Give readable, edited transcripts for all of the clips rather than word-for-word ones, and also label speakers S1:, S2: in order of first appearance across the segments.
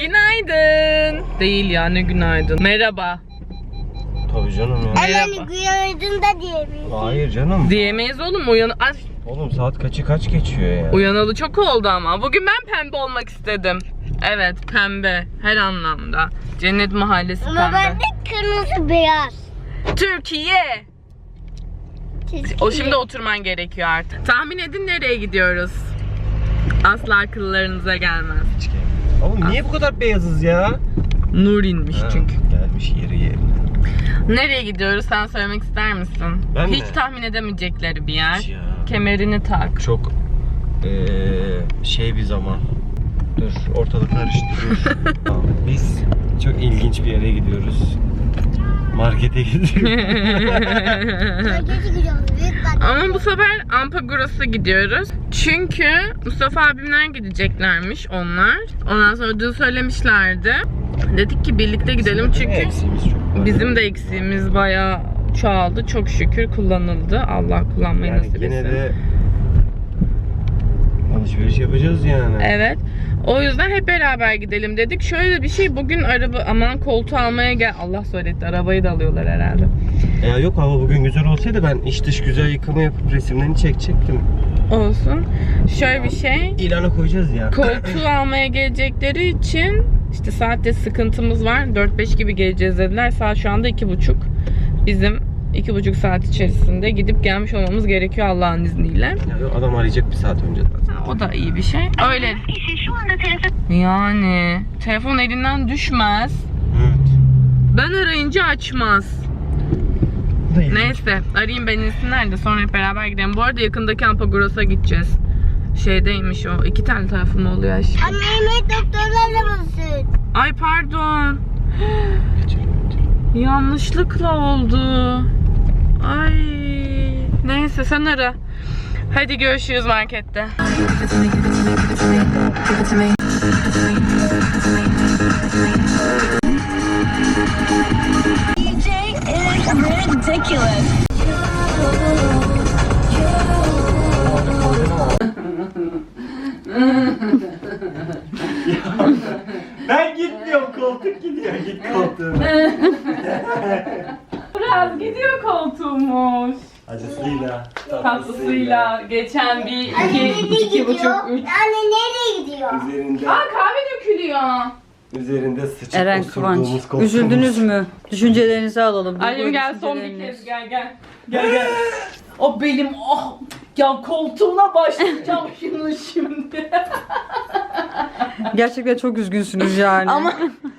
S1: Günaydın. Değil ya, ne günaydın. Merhaba.
S2: Tabii canım ya.
S1: Merhaba.
S3: Günaydın da diyebiliriz.
S2: Hayır canım.
S1: Diyemeyiz oğlum.
S2: Oğlum saat kaç geçiyor ya?
S1: Uyanalı çok oldu ama. Bugün ben pembe olmak istedim. Evet, pembe. Her anlamda. Cennet Mahallesi
S3: Ama
S1: pembe.
S3: ben de kırmızı beyaz.
S1: Türkiye. O şimdi oturman gerekiyor artık. Tahmin edin nereye gidiyoruz? Asla akıllarınıza gelmez.
S2: Oğlum niye bu kadar beyazız ya?
S1: Nur inmiş çünkü.
S2: Gelmiş yeri yerine.
S1: Nereye gidiyoruz, sen söylemek ister misin?
S2: Ben
S1: Hiç
S2: mi?
S1: tahmin edemeyecekleri bir yer.
S2: Hiç ya.
S1: Kemerini tak.
S2: Çok bir zaman. Dur, ortalık karıştı. Dur. Biz çok ilginç bir yere gidiyoruz. Markete gidiyoruz.
S3: Markete gidiyoruz. Büyük bak.
S1: Ama bu sefer Ampagoras'a gidiyoruz. Çünkü Mustafa abimler gideceklermiş onlar. Ondan sonra dün söylemişlerdi. Dedik ki birlikte gidelim çünkü
S2: eksiğimiz çok var.
S1: bizim de eksiğimiz bayağı çoğaldı. Çok şükür kullanıldı. Allah kullanmayı
S2: Yani
S1: nasip
S2: yine
S1: etsin.
S2: de alışveriş yapacağız yani.
S1: Evet. O yüzden hep beraber gidelim dedik. Şöyle bir şey, bugün koltuğu almaya gel. Allah söyletti, arabayı da alıyorlar herhalde.
S2: Ya yok, hava bugün güzel olsaydı ben iç dış güzel yıkama yapıp resimlerini çekecektim.
S1: Olsun. Şöyle bir şey.
S2: İlana koyacağız ya.
S1: Koltuğu almaya gelecekleri için işte saatte sıkıntımız var. 4-5 gibi geleceğiz dediler. Saat şu anda 2.30. Bizim 2.5 saat içerisinde gidip gelmiş olmamız gerekiyor Allah'ın izniyle.
S2: Ya yok, adam arayacak bir saat önce zaten.
S1: O da iyi bir şey. Öyle.
S3: Şu anda telefon.
S1: Yani telefon elinden düşmez.
S2: Evet.
S1: Ben arayınca açmaz. Neyse, arayayım ben insinler de sonra hep beraber gidelim. Bu arada yakındaki Ampagoras'a gideceğiz. Şeydeymiş o. 2 tane tarafı mı oluyor aşkım?
S3: Anne yemek doktorlarla mısın?
S1: Ay pardon.
S2: Geçelim.
S1: Yanlışlıkla oldu. Ay. Neyse sen ara. Hadi görüşürüz markette.
S3: DJ is ridiculous.
S2: Ben gitmiyorum, koltuk gidiyor. Git koltuğum.
S1: Biraz gidiyor koltuğumuz.
S2: Acısıyla,
S1: Tatlısıyla geçen bir
S3: Anne nereye
S1: iki buçuk,
S3: gidiyor?
S1: üç.
S3: Anne nereye gidiyor?
S2: Üzerinde,
S1: Aa, kahve dökülüyor.
S2: üzerinde sıçıp
S4: Eren
S2: osurduğumuz
S4: Kıvanç,
S2: koltuğumuz.
S4: üzüldünüz mü? Düşüncelerinizi alalım.
S1: Annem gel, son bir kez gel. Gel. O benim, oh ya, koltuğuna başlayacağım şunu şimdi.
S4: Gerçekten çok üzgünsünüz yani.
S1: Ama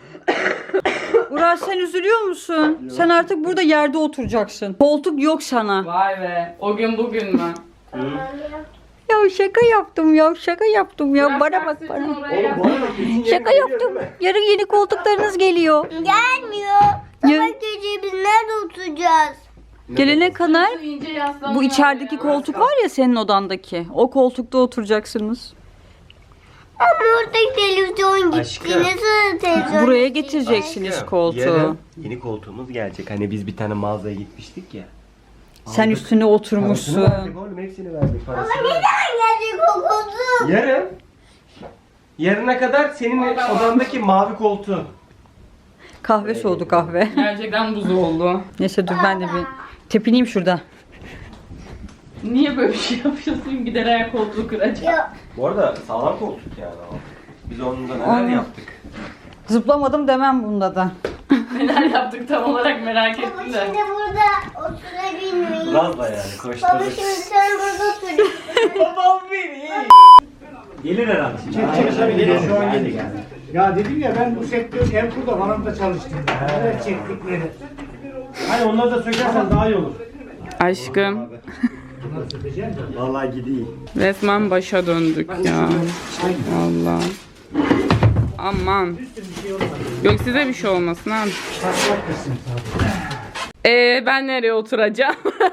S4: Uras, sen üzülüyor musun?
S2: Yok.
S4: Sen artık burada yerde oturacaksın. Koltuk yok sana.
S1: vay be, o gün bugün mü?
S4: Ya şaka yaptım ya, şaka yaptım ya.
S1: Biraz
S4: Bana bak
S1: taksitini
S4: bana.
S1: oraya yap.
S4: Şaka yaptım. Yarın yeni koltuklarınız geliyor.
S3: Gelmiyor. Sabah gece biz nerede oturacağız?
S4: Gelene kadar
S1: İnce yaslanma
S4: bu içerideki
S1: ya.
S4: koltuk var ya senin odandaki. O koltukta oturacaksınız.
S3: Ama orada televizyon gitti.
S2: Aşkım.
S3: Nasıl televizyon
S4: Buraya
S3: gitti?
S4: getireceksiniz koltuğu.
S2: Yarın yeni koltuğumuz gelecek. Hani biz bir tane mağazaya gitmiştik ya.
S4: Sen
S2: Aldık.
S4: üstüne
S2: Parasını
S4: oturmuşsun.
S2: verdik oğlum, hepsini verdik parasını.
S3: Neden gelecek o koltuk?
S2: Yarın. Yarına kadar senin odandaki mavi koltuğun.
S4: Kahve soğudu kahve.
S1: Gerçekten buz oldu.
S4: Neyse dur ben de bir tepineyim şurada.
S1: Niye böyle bir şey yapıyorsun? Gider ayak koltuğu kıracağım.
S3: Yok.
S2: Bu arada sağlam koltuk yani o. Biz onunla neler yaptık.
S4: Zıplamadım demem bunda da.
S1: Neler yaptık tam olarak merak
S3: Baba
S1: ettim de.
S3: şimdi burada oturabilmeyiz.
S2: Lazla yani
S3: Baba
S2: koşturduk.
S3: şimdi sen burada otur.
S2: Babam beni. Gelir herhalde şimdi. Gelir şu an gelir.
S5: Ya dedim ya ben bu sektör Erkur'da Vanam'da çalıştım. Neler çektikleri. Hani onları da sökersen daha iyi olur.
S1: Aşkım,
S5: Bunları sökeceğim de.
S2: Vallahi gideyim.
S1: resmen başa döndük ya. Vallahi. Aman. Yok size bir şey olmasın abi.
S5: Patlak kısım tabii.
S1: Ben nereye oturacağım?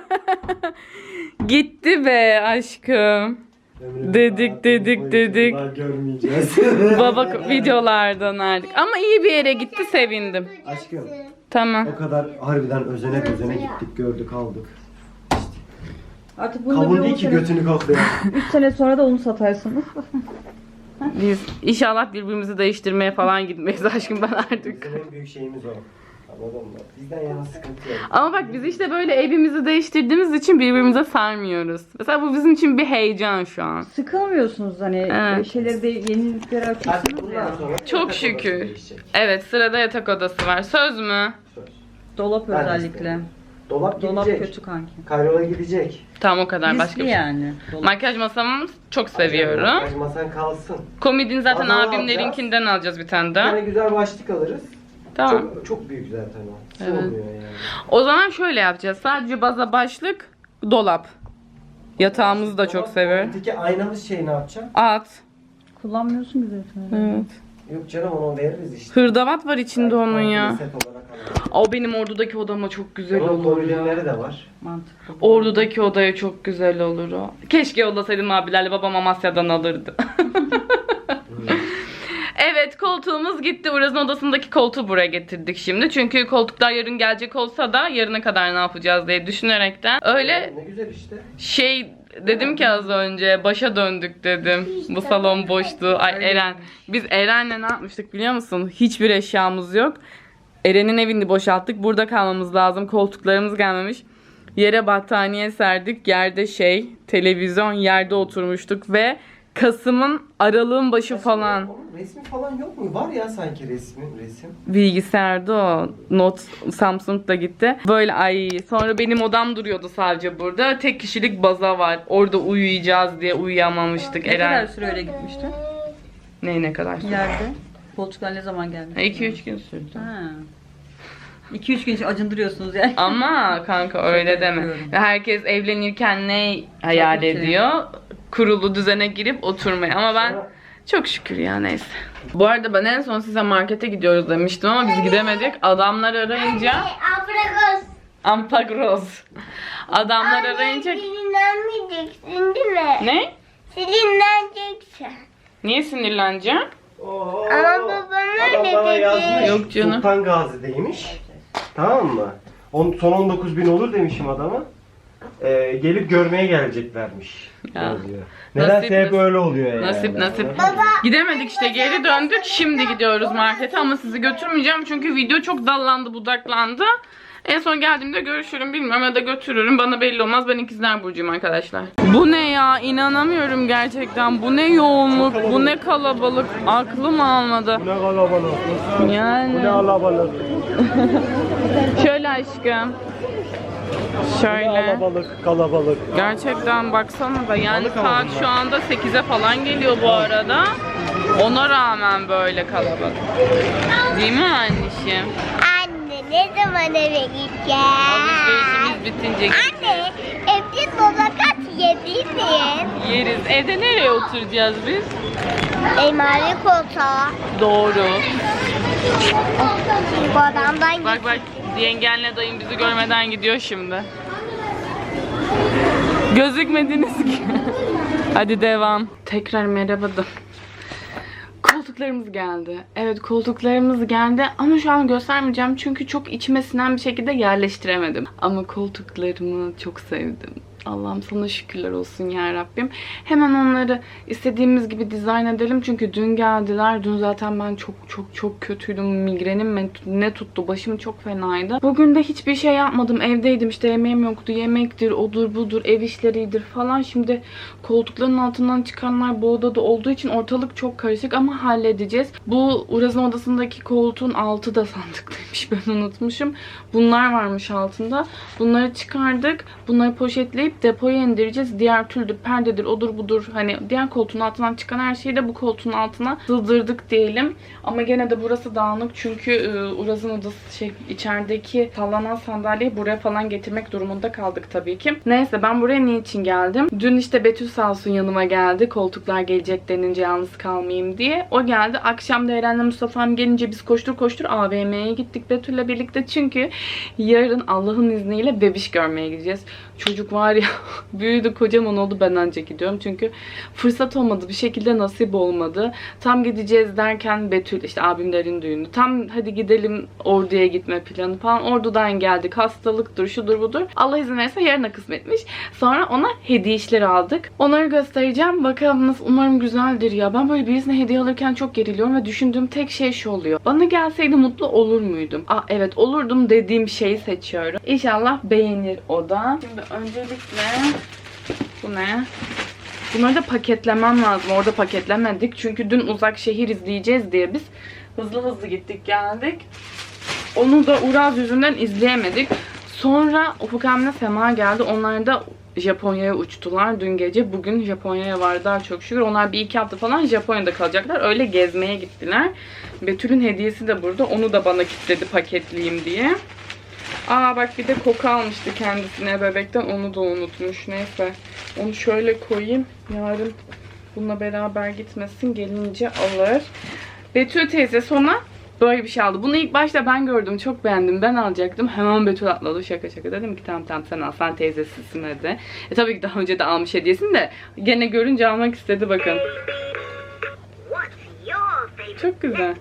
S1: Gitti be aşkım. Dedik.
S2: Daha görmeyeceğiz.
S1: Baba videolardan artık. Ama iyi bir yere gitti, sevindim.
S2: Aşkım
S1: Tamam.
S2: o kadar harbiden özene gittik, gördük, aldık.
S4: Artık bunu
S2: Kavun değil ki götünü kokluyor.
S4: 3 sene sonra da onu satarsınız.
S1: Biz inşallah birbirimizi değiştirmeye falan gitmeyiz aşkım ben artık.
S2: Bizim en büyük şeyimiz o. Anladın mı? Bizden yana sıkıntı yok.
S1: Ama bak biz işte böyle evimizi değiştirdiğimiz için birbirimize sarmıyoruz. Mesela bu bizim için bir heyecan şu an.
S4: Sıkılmıyorsunuz hani
S1: Evet.
S4: şeyleri de yeniliklere
S2: Artık
S4: açıyorsunuz ya.
S2: bundan sonra
S1: Çok
S2: yatak
S1: şükür.
S2: odası değişecek.
S1: Evet sırada yatak odası var. Söz mü?
S2: Söz.
S4: Dolap
S2: Ben de
S4: özellikle.
S2: isterim. Dolap
S4: Dolap
S2: gidecek.
S4: kötü kanki.
S2: Karyola gidecek.
S1: Tamam o kadar başka
S4: Riskli
S1: bir şey.
S4: yani. Dolap.
S1: Makyaj masamı çok seviyorum.
S2: Makyaj masan kalsın.
S1: Komodin zaten
S2: Bazağı
S1: abimlerinkinden alacağız bir tane
S2: Bir tane
S1: daha.
S2: güzel başlık alırız.
S1: Tamam.
S2: Çok büyük zaten o.
S1: Evet.
S2: Sığmıyor yani.
S1: O zaman şöyle yapacağız. Sadece baza başlık, dolap. Yatağımızı da çok
S2: Dolap,
S1: seviyorum.
S2: Peki aynamız şey ne yapacağım?
S1: At.
S4: Kullanmıyorsun ki zaten.
S1: Evet.
S2: Yok canım onu veririz işte.
S1: Hırdavat var içinde onun ya.
S2: Set olarak alalım.
S1: O benim ordudaki odama çok güzel
S2: Onun
S1: olur ya.
S2: komodinleri de var.
S4: Mantıklı.
S1: Ordudaki odaya çok güzel olur o. Keşke yollasaydım abilerle, babam Amasya'dan alırdı. Evet koltuğumuz gitti. Uraz'ın odasındaki koltuğu buraya getirdik şimdi. Çünkü koltuklar yarın gelecek olsa da yarına kadar ne yapacağız diye düşünerekten. Öyle
S2: Ne güzel işte.
S1: şey dedim ki az önce başa döndük dedim. Bu salon boştu. Ay Eren. Biz Eren'le ne yapmıştık biliyor musun? Hiçbir eşyamız yok. Eren'in evini boşalttık. Burada kalmamız lazım. Koltuklarımız gelmemiş. Yere battaniye serdik. Yerde televizyon, yerde oturmuştuk ve Kasım'ın aralığın başı falan.
S2: Onun resmi falan yok mu? Var ya sanki resim.
S1: Bilgisayarda o. Note Samsung da gitti. Böyle sonra benim odam duruyordu sadece burada. Tek kişilik baza var. Orada uyuyacağız diye uyuyamamıştık.
S4: Ne kadar
S1: Eren.
S4: süre öyle gitmişti?
S1: Ne kadar?
S4: Yerde. Koltuklar ne zaman geldi?
S1: 2-3 gün sürdü.
S4: Ha. 2-3 gün için acındırıyorsunuz yani.
S1: Ama kanka öyle deme.
S4: yapıyorum.
S1: Herkes evlenirken ne hayal
S4: Tabii ki.
S1: ediyor? Kurulu düzene girip oturmayı. Ama ben çok şükür ya neyse. Bu arada ben en son size markete gidiyoruz demiştim ama biz gidemedik. Adamlar arayınca
S3: Abragos.
S1: Ampagros. Adamlar arayınca
S3: Sinirlenmeyeceksin değil mi?
S1: ne?
S3: Sinirleneceksin.
S1: Niye sinirleneceğim?
S3: Ama babam
S2: Adam
S3: öyle
S2: bana
S3: dedi.
S2: yazmış.
S1: Yok canım.
S2: Sultan Gazi'deymiş. Tamam mı? Son 19.000 olur demişim adama. Gelip görmeye geleceklermiş.
S1: Ya.
S2: Yazıyor. Nedense hep
S1: nasip.
S2: öyle oluyor yani.
S1: Nasip nasip. Gidemedik işte geri döndük. Şimdi gidiyoruz markete ama sizi götürmeyeceğim çünkü video çok dallandı budaklandı. En son geldiğimde görüşürüm bilmiyorum ya da götürürüm. Bana belli olmaz. Ben ikizler burcuyum arkadaşlar. Bu ne ya? İnanamıyorum gerçekten. Bu ne yoğunluk, bu ne kalabalık. Aklım almadı.
S2: Ne kalabalık.
S1: Yani.
S2: kalabalık.
S1: Şöyle aşkım. Şöyle.
S2: Kalabalık.
S1: Gerçekten baksana da yani saat şu anda 8'e falan geliyor bu arada. Ona rağmen böyle kalabalık. Değil mi anneciğim?
S3: Anne ne zaman eve gideceğiz?
S1: Alışverişimiz bitince
S3: Anne evde babakat yedi mi?
S1: yeriz. Evde nereye oturacağız biz?
S3: Elmalı koltuğa.
S1: Doğru.
S3: Bu adamdan
S1: Bak bak yengenle dayım bizi görmeden gidiyor şimdi. Gözükmediniz ki. Hadi devam. Tekrar merhaba da. Koltuklarımız geldi. Evet koltuklarımız geldi ama şu an göstermeyeceğim çünkü çok içime sinen bir şekilde yerleştiremedim. Ama koltuklarımı çok sevdim. Allah'ım sana şükürler olsun ya Rabbim. Hemen onları istediğimiz gibi dizayn edelim. Çünkü dün geldiler. Dün zaten ben çok kötüydüm. Migrenim ne tuttu. Başım çok fenaydı. Bugün de hiçbir şey yapmadım. Evdeydim işte yemeğim yoktu. Yemektir, odur budur, ev işleridir falan. Şimdi koltukların altından çıkanlar bu odada olduğu için ortalık çok karışık ama halledeceğiz. Bu Uraz'ın odasındaki koltuğun altı da sandıklıymış. Ben unutmuşum. Bunlar varmış altında. Bunları çıkardık. Bunları poşetleyip depoya indireceğiz. Diğer tüldür, perdedir, odur budur. Hani diğer koltuğun altından çıkan her şeyi de bu koltuğun altına sığdırdık diyelim. Ama gene de burası dağınık çünkü Uraz'ın odası içerideki sallanan sandalyeyi buraya falan getirmek durumunda kaldık tabii ki. Neyse ben buraya niçin geldim? Dün işte Betül sağ olsun yanıma geldi. Koltuklar gelecek denince yalnız kalmayayım diye. O geldi. Akşam da Eren'le Mustafa'm gelince biz koştur AVM'ye gittik Betül'le birlikte. Çünkü yarın Allah'ın izniyle bebiş görmeye gideceğiz. Çocuk var ya büyüdü, kocaman oldu, ben anca gidiyorum. Çünkü fırsat olmadı, bir şekilde nasip olmadı. Tam gideceğiz derken Betül, işte abimlerin düğünü. Tam hadi gidelim Ordu'ya gitme planı falan. Ordu'dan geldik. Hastalıktır, şudur budur. Allah izin verirse yarına kısmetmiş. Sonra ona hediye işleri aldık. Onları göstereceğim. Bakalım nasıl, umarım güzeldir ya. Ben böyle birisine hediye alırken çok geriliyorum ve düşündüğüm tek şey şu oluyor. Bana gelseydi mutlu olur muydum? Evet olurdum dediğim şeyi seçiyorum. İnşallah beğenir o da. Şimdi öncelikle bu ne? Bunları da paketlemem lazım. Orada paketlemedik. Çünkü dün Uzak Şehir izleyeceğiz diye biz hızlı gittik geldik. Onu da Uraz yüzünden izleyemedik. Sonra Ufuk Emre Sema geldi. Onlar da Japonya'ya uçtular dün gece. Bugün Japonya'ya vardılar çok şükür. Onlar bir iki hafta falan Japonya'da kalacaklar. Öyle gezmeye gittiler. Betül'ün hediyesi de burada. Onu da bana kilitledi paketleyeyim diye. Bak bir de koku almıştı kendisine bebekten. Onu da unutmuş. Neyse. Onu şöyle koyayım. Yarın bununla beraber gitmesin. Gelince alır. Betül teyze sonra böyle bir şey aldı. Bunu ilk başta ben gördüm. Çok beğendim. Ben alacaktım. Hemen Betül atladı. Şaka dedim ki tamam sen al. Sen teyzesisin dedi. Tabii ki daha önce de almış hediyesini de gene görünce almak istedi bakın. Çok güzel.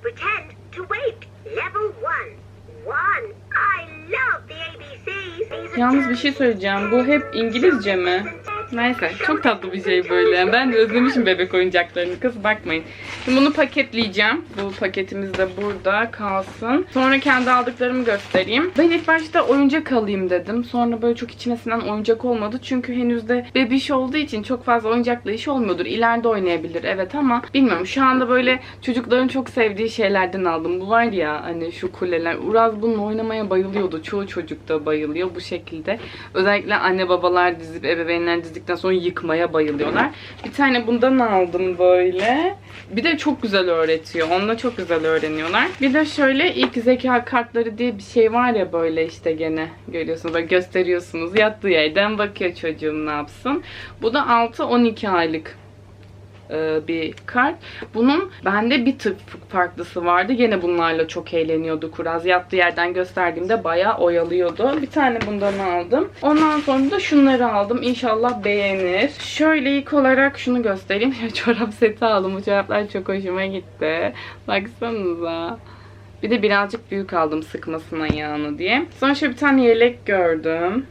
S1: Yalnız bir şey söyleyeceğim. Bu hep İngilizce mi? Neyse. Çok tatlı bir şey böyle. Ben de özlemişim bebek oyuncaklarını. Kız bakmayın. Şimdi bunu paketleyeceğim. Bu paketimiz de burada kalsın. Sonra kendi aldıklarımı göstereyim. Ben ilk başta oyuncak alayım dedim. Sonra böyle çok içmesinden oyuncak olmadı. Çünkü henüz de bebiş olduğu için çok fazla oyuncakla işi olmuyordur. İleride oynayabilir evet ama bilmiyorum. Şu anda böyle çocukların çok sevdiği şeylerden aldım. Bu var ya hani şu kuleler. Uraz bununla oynamaya bayılıyordu. Çoğu çocuk da bayılıyor bu şekilde. Özellikle anne babalar dizip ebeveynler dizdikten sonra yıkmaya bayılıyorlar. Bir tane bundan aldım böyle. Bir de çok güzel öğretiyor. Onunla çok güzel öğreniyorlar. Bir de şöyle ilk zeka kartları diye bir şey var ya böyle işte gene görüyorsunuz. Böyle gösteriyorsunuz. Yattığı yerden bakıyor çocuğum ne yapsın. Bu da 6-12 aylık bir kart. Bunun bende bir tık farklısı vardı. Yine bunlarla çok eğleniyordu Kuraz. Yattığı yerden gösterdiğimde bayağı oyalıyordu. Bir tane bundan aldım. Ondan sonra da şunları aldım. İnşallah beğenir. Şöyle ilk olarak şunu göstereyim. Çorap seti aldım. Bu çoraplar çok hoşuma gitti. Baksanıza. Bir de birazcık büyük aldım sıkmasın ayağını diye. Sonra şöyle bir tane yelek gördüm.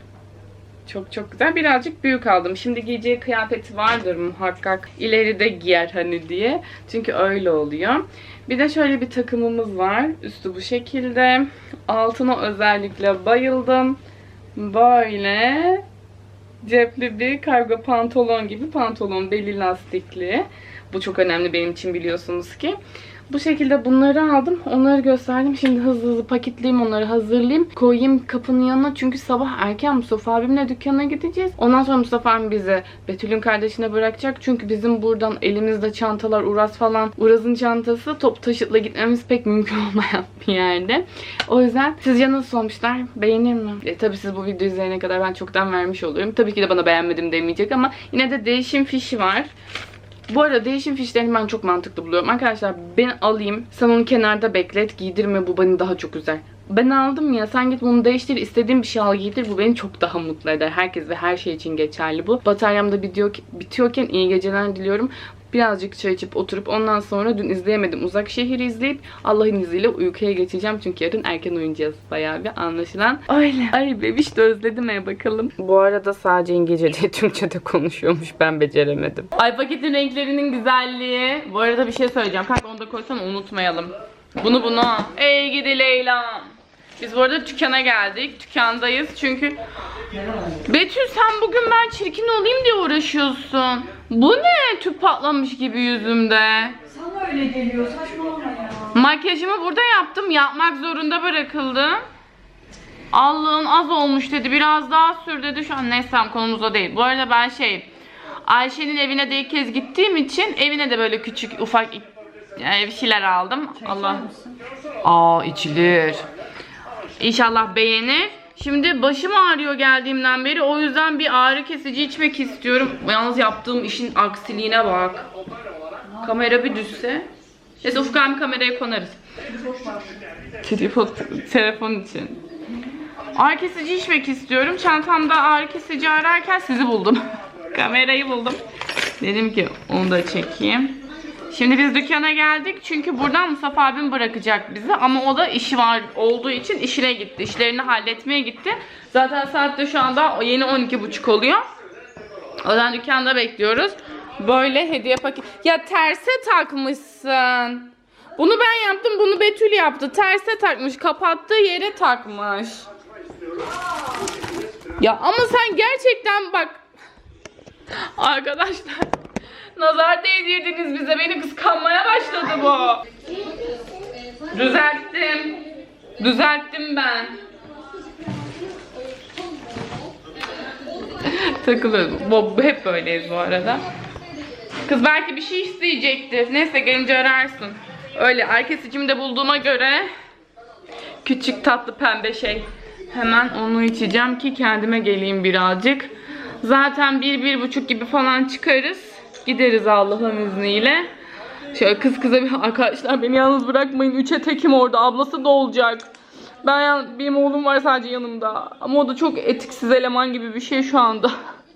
S1: Çok güzel. Birazcık büyük aldım. Şimdi giyeceği kıyafeti vardır muhakkak. İleride giyer hani diye. Çünkü öyle oluyor. Bir de şöyle bir takımımız var. Üstü bu şekilde. Altına özellikle bayıldım. Böyle cepli bir kargo pantolon gibi pantolon. Beli lastikli. Bu çok önemli benim için biliyorsunuz ki. Bu şekilde bunları aldım. Onları gösterdim. Şimdi hızlı paketleyeyim, onları hazırlayayım. Koyayım kapının yanına. Çünkü sabah erken Mustafa abimle dükkana gideceğiz. Ondan sonra Mustafa abim bizi Betül'ün kardeşine bırakacak. Çünkü bizim buradan elimizde çantalar, Uraz falan. Uraz'ın çantası top taşıtla gitmemiz pek mümkün olmayan bir yerde. O yüzden sizce nasıl olmuşlar? Beğenir mi? Tabii siz bu videoyu izleyene kadar ben çoktan vermiş oluyorum. Tabii ki de bana beğenmedim demeyecek ama yine de değişim fişi var. Bu arada değişim fişlerini ben çok mantıklı buluyorum. Arkadaşlar ben alayım. Sen onu kenarda beklet. Giydirme, bu beni daha çok üzer. Ben aldım ya, sen git bunu değiştir. İstediğin bir şey al giydir. Bu beni çok daha mutlu eder. Herkes ve her şey için geçerli bu. Bataryam da bitiyorken iyi geceler diliyorum. Birazcık çay içip oturup ondan sonra dün izleyemedim. Uzak Şehir'i izleyip Allah'ın izniyle uykuya geçeceğim. Çünkü yarın erken uyuyacağız bayağı bir anlaşılan. Öyle. Ay bebiş de özledim bakalım. Bu arada sadece İngilizce değil Türkçe de konuşuyormuş. Ben beceremedim. Ay paketin renklerinin güzelliği. Bu arada bir şey söyleyeceğim. Kanka onu da koysana unutmayalım. Bunu. Ey gidi Leyla. Biz bu arada dükkana geldik. Dükkandayız çünkü... Betül sen bugün ben çirkin olayım diye uğraşıyorsun. Bu ne? Tüp patlamış gibi yüzümde.
S4: Sana öyle geliyor, saçmalama ya.
S1: Makyajımı burada yaptım. Yapmak zorunda bırakıldım. Allah'ın az olmuş dedi. Biraz daha sür dedi. Şu an neyse konumuz o değil. Bu arada ben Ayşe'nin evine de ilk kez gittiğim için evine de böyle küçük ufak bir şeyler aldım. Allah. İçilir. İnşallah beğenir. Şimdi başım ağrıyor geldiğimden beri. O yüzden bir ağrı kesici içmek istiyorum. Yalnız yaptığım işin aksiliğine bak. Kamera bir düşse. Neyse Ufuk abi kameraya konarız. Tripod telefon için. Ağrı kesici içmek istiyorum. Çantamda ağrı kesici ararken sizi buldum. Kamerayı buldum. Dedim ki onu da çekeyim. Şimdi biz dükkana geldik. Çünkü buradan Mustafa abim bırakacak bizi. Ama o da işi var olduğu için işine gitti. İşlerini halletmeye gitti. Zaten saat de şu anda yeni 12.30 oluyor. O yüzden dükkanda bekliyoruz. Böyle hediye paket. Ya terse takmışsın. Bunu ben yaptım. Bunu Betül yaptı. Terse takmış. Kapattığı yere takmış. Ya ama sen gerçekten bak. Arkadaşlar. Nazar değdirdiniz bize. Beni kıskanmaya başladı bu. Düzelttim. Düzelttim ben. Takılıyorum. Hep böyleyiz bu arada. Kız belki bir şey isteyecektir. Neyse gelince ararsın. Öyle ağrı kesicimi de bulduğuma göre küçük tatlı pembe şey. Hemen onu içeceğim ki kendime geleyim birazcık. Zaten 1-1,5 gibi falan çıkarız. Gideriz Allah'ın izniyle. Şöyle kız kıza bir arkadaşlar beni yalnız bırakmayın. 3'e tekim orada. Ablası da olacak. Benim oğlum var sadece yanımda. Ama o da çok etiksiz eleman gibi bir şey şu anda.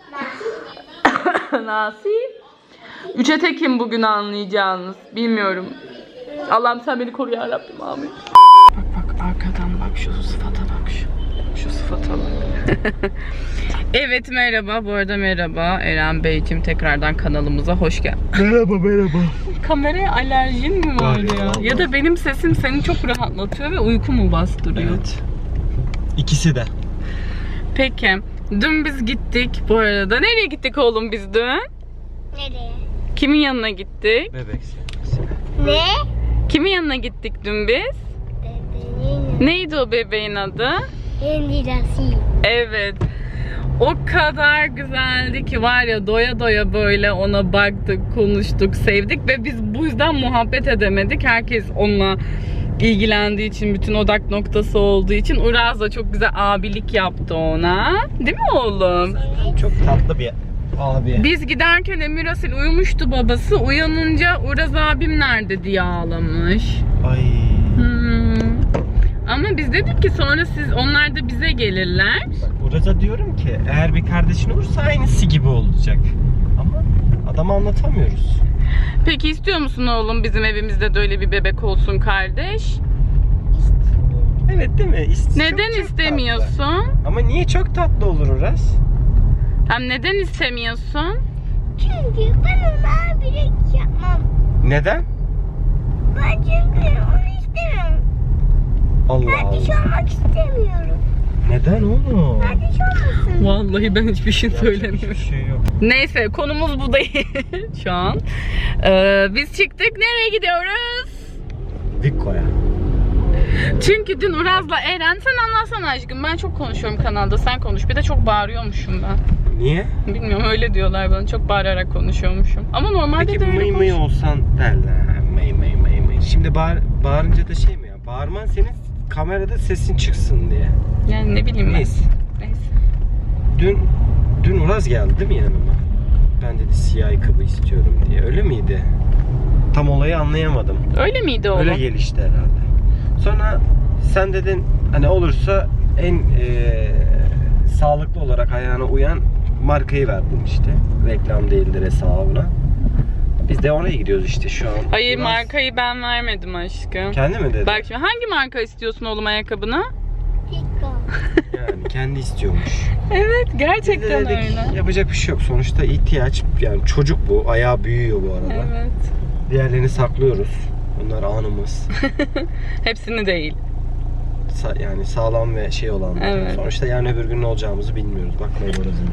S1: Nasıl? 3'e tekim bugün anlayacağınız. Bilmiyorum. Allah'ım sen beni koru ya Rabbim, amin. Bak arkadan bak şu sıfata bak şu sıfata bak. Evet merhaba, bu arada merhaba Eren Beyciğim, tekrardan kanalımıza hoş geldin.
S2: Merhaba.
S1: Kameraya alerjin mi var ya?
S2: Vallahi.
S1: Ya da benim sesim seni çok rahatlatıyor ve uyku mu bastırıyor?
S2: Evet. İkisi de.
S1: Peki, dün biz gittik bu arada. Nereye gittik oğlum biz dün?
S3: Nereye?
S1: Kimin yanına gittik?
S2: Bebek sevgisi.
S3: Ne?
S1: Kimin yanına gittik dün biz?
S3: Bebeğin
S1: Neydi o bebeğin adı?
S3: endişesi.
S1: Evet. O kadar güzeldi ki var ya, doya doya böyle ona baktık, konuştuk, sevdik ve biz bu yüzden muhabbet edemedik. Herkes onunla ilgilendiği için, bütün odak noktası olduğu için Uraz da çok güzel abilik yaptı ona. Değil mi oğlum?
S2: Çok tatlı bir abi.
S1: Biz giderken Emir Asil uyumuştu babası. Uyanınca Uraz abim nerede diye ağlamış.
S2: Ay.
S1: Ama biz dedik ki sonra onlar da bize gelirler.
S2: Bak burada diyorum ki eğer bir kardeşin olursa aynısı gibi olacak. Ama adama anlatamıyoruz.
S1: Peki istiyor musun oğlum bizim evimizde de öyle bir bebek olsun kardeş?
S2: Evet değil mi?
S1: Neden
S2: çok
S1: istemiyorsun?
S2: tatlı. Ama niye çok tatlı olur Uras?
S1: Hem neden istemiyorsun?
S3: Çünkü ben ona abilik yapmam.
S2: Neden?
S3: Ben çünkü onu istemiyorum.
S2: Allah
S3: Kardeş
S2: Allah.
S3: olmak istemiyorum.
S2: Neden oğlum?
S3: Kardeş olmasın.
S1: Vallahi ben hiçbir şey
S2: Hiçbir
S1: söylemiyorum.
S2: şey yok.
S1: Neyse konumuz bu değil şu an. Biz çıktık. Nereye gidiyoruz?
S2: Vikko'ya.
S1: Çünkü dün Uraz'la Eren, sen anlatsana aşkım. Ben çok konuşuyorum kanalda, sen konuş. Bir de çok bağırıyormuşum ben.
S2: Niye?
S1: Bilmiyorum, öyle diyorlar bana. Çok bağırarak konuşuyormuşum. Ama normalde
S2: Peki
S1: de öyle
S2: mıy mıy
S1: konuşuyorum.
S2: olsan derler. Mıy mıy mıy mıy. Şimdi bağırınca da şey mi ya? Bağırman senin kamerada sesin çıksın diye.
S1: Yani ne bileyim ben.
S2: Neyse.
S1: Neyse.
S2: Dün Uraz geldi değil mi yanıma? Ben dedi siyah ayakkabı istiyorum diye. Öyle miydi? Tam olayı anlayamadım.
S1: Öyle miydi oğlum?
S2: Öyle gelişti herhalde. Sonra sen dedin hani olursa en sağlıklı olarak ayağına uyan markayı verdin işte. Reklam değildir hesabına. Biz de oraya gidiyoruz işte şu an.
S1: Hayır,
S2: Uraz
S1: markayı ben vermedim aşkım.
S2: kendi mi dedi?
S1: Bak şimdi hangi marka istiyorsun oğlum ayakkabını?
S3: Pika.
S2: Yani kendi istiyormuş.
S1: Evet,
S2: Biz de
S1: gerçekten
S2: dedik
S1: öyle.
S2: yapacak bir şey yok. Sonuçta ihtiyaç, yani çocuk bu. Ayağı büyüyor bu arada.
S1: Evet.
S2: Diğerlerini saklıyoruz. Bunlar anımız.
S1: Hepsini değil.
S2: Yani sağlam ve şey olanlar.
S1: Evet.
S2: Sonuçta yarın öbür gün ne olacağımızı bilmiyoruz. Bakmayın orasında.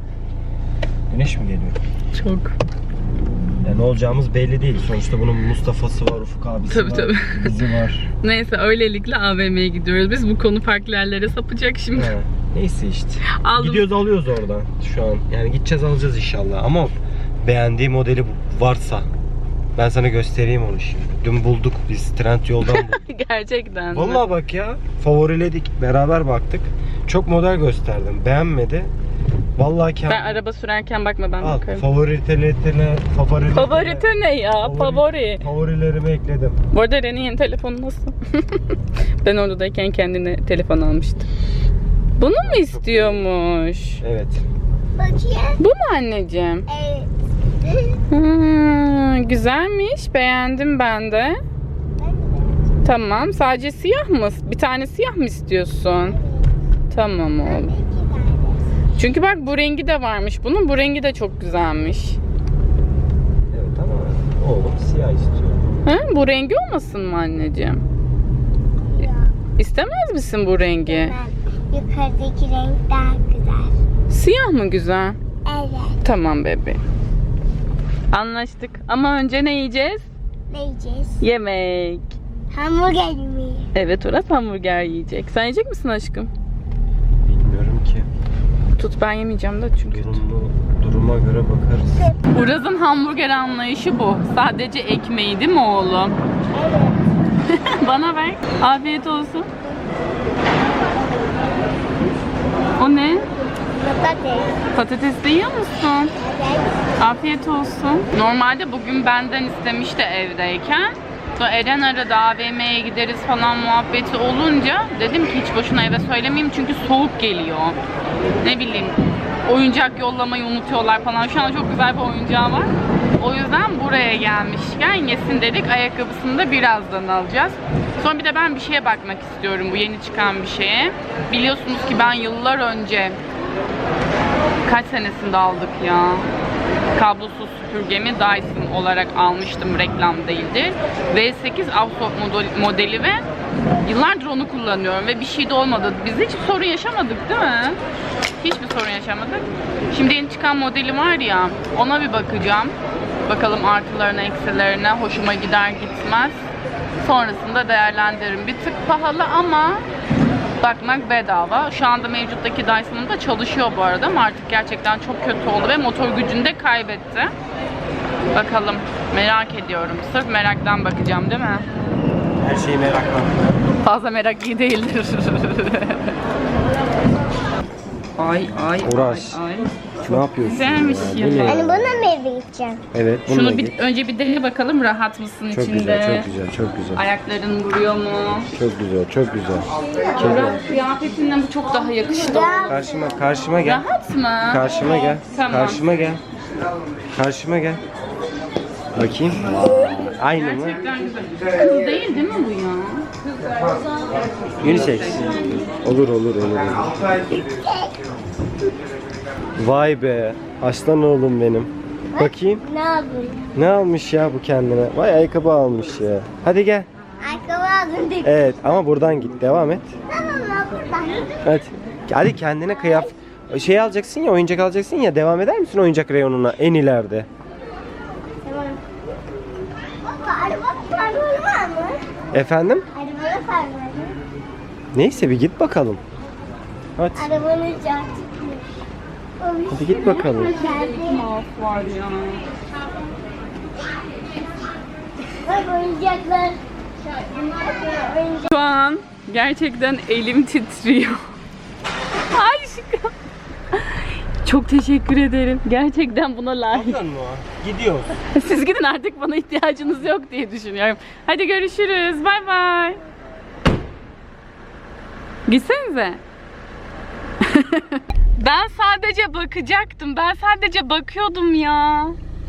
S2: Güneş mi geliyor?
S1: Çok.
S2: Yani ne olacağımız belli değil. Sonuçta bunun Mustafa'sı var, Ufuk abisi
S1: Tabii,
S2: var,
S1: tabii.
S2: bizi var.
S1: Neyse, öylelikle AVM'ye gidiyoruz. Biz bu konu farklı yerlere sapacak şimdi.
S2: He, neyse işte.
S1: Aldım.
S2: Gidiyoruz alıyoruz oradan şu an. Yani gideceğiz alacağız inşallah. Ama beğendiği modeli varsa ben sana göstereyim onu şimdi. Dün bulduk biz. Trendyol'dan bulduk.
S1: Gerçekten. mi?
S2: Vallahi bak ya. Favoriledik. Beraber baktık. Çok model gösterdim. Beğenmedi. Vallahi kendim.
S1: Ben araba sürerken bakma, ben
S2: Al,
S1: bakarım.
S2: Favorite
S1: ne ya? Favori.
S2: Favorilerime ekledim.
S1: Bu arada Ren'in yeni telefonu nasıl? Ben oradayken kendine telefon almıştım. Bunu mu istiyormuş?
S2: Evet.
S3: Bakayım.
S1: Bu mu anneciğim?
S3: Evet.
S1: Güzelmiş. Beğendim ben de. Tamam. Sadece siyah mı? Bir tane siyah mı istiyorsun? Tamam oğlum. Çünkü bak bu rengi de varmış bunun. Bu rengi de çok güzelmiş.
S2: Evet ama oğlum siyah istiyor.
S1: Ha? Bu rengi olmasın mı anneciğim? İstemez misin bu rengi?
S3: Yukarıdaki renk daha güzel.
S1: Siyah mı güzel?
S3: Evet.
S1: Tamam bebeğim. Anlaştık. Ama önce ne yiyeceğiz?
S3: Ne yiyeceğiz?
S1: Yemek.
S3: Hamburger mi?
S1: Evet, Uras hamburger yiyecek. Sen yiyecek misin aşkım?
S2: Bilmiyorum ki.
S1: Tut, ben yemeyeceğim de çünkü.
S2: Duruma göre bakarız.
S1: Uraz'ın hamburger anlayışı bu. Sadece ekmeği değil mi oğlum?
S3: Evet.
S1: Bana ver. Afiyet olsun. O ne?
S3: Patates.
S1: Patates de yiyor musun?
S3: Evet.
S1: Afiyet olsun. Normalde bugün benden istemişti evdeyken. Sonra Eren aradı, AVM'ye gideriz falan muhabbeti olunca dedim ki hiç boşuna eve söylemeyeyim çünkü soğuk geliyor. Ne bileyim, oyuncak yollamayı unutuyorlar falan. Şu an çok güzel bir oyuncağı var. O yüzden buraya gelmişken yesin dedik. Ayakkabısını da birazdan alacağız. Sonra bir de ben bir şeye bakmak istiyorum, bu yeni çıkan bir şeye. Biliyorsunuz ki ben yıllar önce, kaç senesinde aldık ya? Kablosuz süpürgemi Dyson olarak almıştım, reklam değildi. V8 Avsop modeli ve yıllardır onu kullanıyorum ve bir şey de olmadı. Biz hiç sorun yaşamadık değil mi? Hiçbir sorun yaşamadık. Şimdi yeni çıkan modeli var ya, ona bir bakacağım. Bakalım artılarına, eksilerine, hoşuma gider gitmez. Sonrasında değerlendiririm. Bir tık pahalı ama bakmak bedava. Şu anda mevcuttaki Dyson'ım da çalışıyor bu arada ama artık gerçekten çok kötü oldu ve motor gücünü de kaybetti. Bakalım, merak ediyorum. Sırf meraktan bakacağım değil mi?
S2: Her şeyi merakla.
S1: Fazla merak iyi değildir. ay.
S2: Uras.
S1: Ay.
S2: Ne yapıyorsun?
S1: Güzelmiş
S2: Bu
S1: ya.
S2: ne?
S3: Hani buna mı gideceğim?
S2: Evet, bunu
S1: Şunu bir, önce bir dene bakalım, rahat mısın
S2: Çok
S1: içinde?
S2: güzel, çok güzel, çok güzel.
S1: Ayakların vuruyor mu?
S2: Çok güzel, çok güzel.
S1: Biraz kıyafetinden bu çok daha yakıştı.
S2: Karşıma gel.
S1: Rahat mı?
S2: Karşıma gel.
S1: Tamam.
S2: Karşıma gel. Karşıma gel. Bakayım. Aynı mı?
S1: Gerçekten güzel. Kız değil mi bu ya?
S2: Unisex. Olur. Vay be. Aslan oğlum benim. Bakayım.
S3: Ne yapayım?
S2: Ne almış ya bu kendine? Vay ayakkabı almış ya. Hadi gel.
S3: Ayakkabı aldım dedi.
S2: Evet ama buradan git. Devam et.
S3: Tamam buradan.
S2: Hadi. Hadi kendine şey alacaksın ya, oyuncak alacaksın ya. Devam eder misin oyuncak reyonuna en ileride?
S3: Tamam. Baba araba parmağı var mı?
S2: Efendim?
S3: Arabada parmağı.
S2: Neyse bir git bakalım. Hadi.
S3: Arabanın canı.
S2: Hadi git bakalım.
S1: Mouse var ya.
S3: Bak oyuncaklar.
S1: Şu an gerçekten elim titriyor. Aşkım. Çok teşekkür ederim. Gerçekten buna layık.
S2: Gidiyoruz.
S1: Siz gidin, artık bana ihtiyacınız yok diye düşünüyorum. Hadi görüşürüz. Bay bay. Gitsenize. Ben sadece bakacaktım. Ben sadece bakıyordum ya.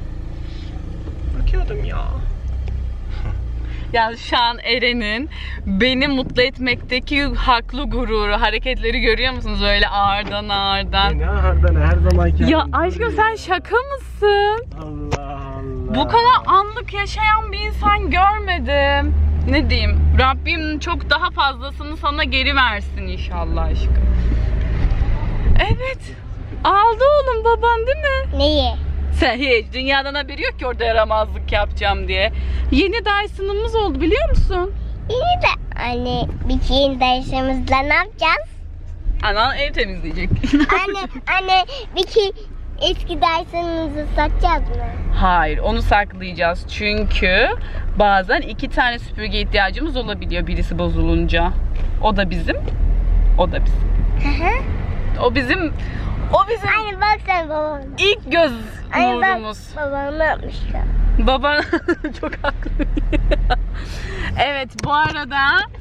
S1: Ya şu an Eren'in beni mutlu etmekteki haklı gururu, hareketleri görüyor musunuz? Öyle ağırdan.
S2: Ne her zaman
S1: Ya aşkım, sen şaka mısın?
S2: Allah.
S1: Bu kadar anlık yaşayan bir insan görmedim. Ne diyeyim? Rabbim çok daha fazlasını sana geri versin inşallah aşkım. Evet. Aldı oğlum baban değil mi?
S3: Neyi?
S1: Sen hiç dünyadan haberi yok ki orada yaramazlık yapacağım diye. Yeni Dyson'ımız oldu biliyor musun?
S3: İyi de anne bir yeni dersimizde ne yapacağız?
S1: Anan ev temizleyecek.
S3: anne bir eski dersimizi satacağız mı?
S1: Hayır, onu saklayacağız çünkü bazen 2 tane süpürge ihtiyacımız olabiliyor birisi bozulunca. O da bizim. O bizim.
S3: Anne bak sen babana.
S1: İlk göz
S3: Anne bak
S1: nurumuz.
S3: babam ne yapmışlar?
S1: Baba çok haklı. Evet, bu arada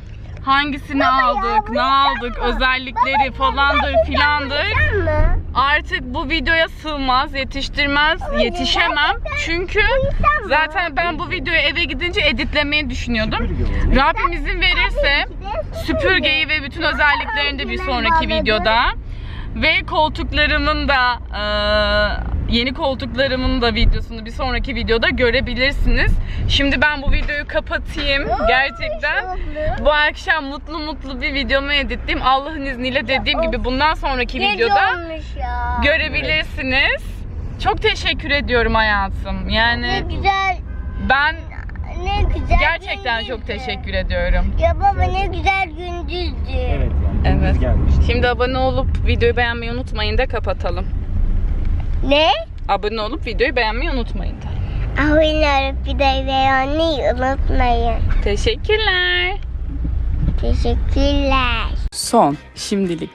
S1: hangisini aldık, ne aldık, özellikleri falandır filandır. Artık bu videoya sığmaz, yetişemem. Çünkü zaten ben bu videoyu eve gidince editlemeyi düşünüyordum. Rabbim izin verirse süpürgeyi ve bütün özelliklerini de bir sonraki videoda ve koltuklarımın da yeni koltuklarımın da videosunu bir sonraki videoda görebilirsiniz. Şimdi ben bu videoyu kapatayım. Gerçekten bu akşam mutlu bir videomu editleyeyim. Allah'ın izniyle dediğim gibi bundan sonraki videoda görebilirsiniz. Çok teşekkür ediyorum hayatım. Yani
S3: Ne güzel.
S1: ben
S3: Ne güzel.
S1: gerçekten çok teşekkür ediyorum.
S3: Ya baba ne güzel gündüzdü.
S2: Evet yani gündüz
S1: Evet.
S2: gelmişti.
S1: Şimdi abone olup videoyu beğenmeyi unutmayın da kapatalım.
S3: Ne?
S1: Abone olup videoyu beğenmeyi unutmayın da.
S3: Abone olup videoyu beğenmeyi unutmayın.
S1: Teşekkürler.
S3: Teşekkürler.
S1: Son şimdilik